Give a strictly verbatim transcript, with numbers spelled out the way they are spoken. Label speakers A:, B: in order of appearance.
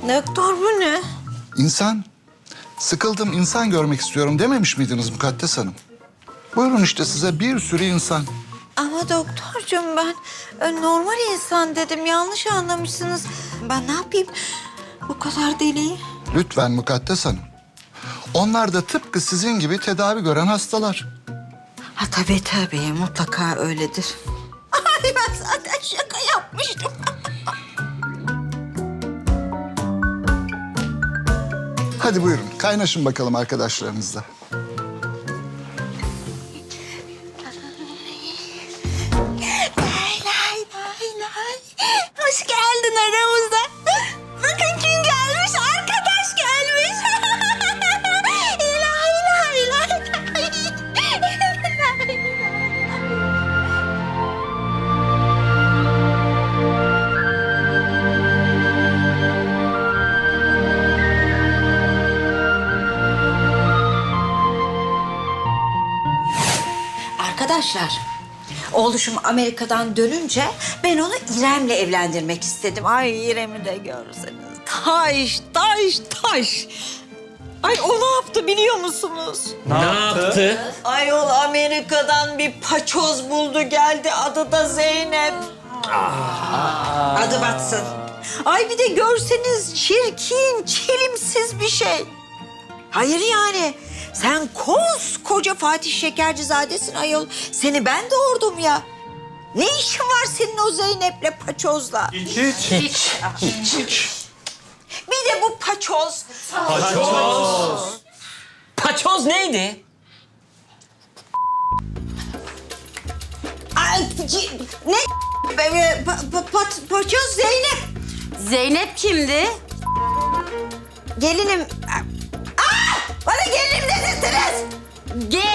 A: Doktor bu ne?
B: İnsan. Sıkıldım, insan görmek istiyorum dememiş miydiniz Mukaddes Hanım? Buyurun işte size bir sürü insan.
A: Ama doktorcuğum ben e, normal insan dedim. Yanlış anlamışsınız. Ben ne yapayım bu kadar deliyi?
B: Lütfen Mukaddes Hanım. Onlar da tıpkı sizin gibi tedavi gören hastalar.
A: Ha tabii tabii mutlaka öyledir. Ay ben zaten şaka yapmıştım.
B: Hadi buyurun, kaynaşın bakalım arkadaşlarınızla.
A: Lay lay lay lay. Hoş geldin aramıza. Bakın kim gelmiş, arkadaş gelmiş. Lay lay lay. Arkadaşlar, oğluşum Amerika'dan dönünce ben onu İrem'le evlendirmek istedim. Ay İrem'i de görseniz. Taş, taş, taş. Ay o ne yaptı biliyor musunuz?
C: Ne yaptı?
A: Ay o Amerika'dan bir paçoz buldu geldi. Adı da Zeynep. Adı batsın. Ay bir de görseniz çirkin, çelimsiz bir şey. Hayır yani. Sen koskoca Fatih Şekercizadesin ayol. Seni ben doğurdum ya. Ne işin var senin o Zeynep'le paçozla?
C: Hiç. Hiç. Hiç.
A: Bir de bu paçoz.
D: Paçoz neydi?
A: Ay, ci- ne? Pa- pa- pa- paçoz Zeynep.
E: Zeynep kimdi?
A: Gelinim. Aa! Bana gelinim dedirttiniz.
E: Ge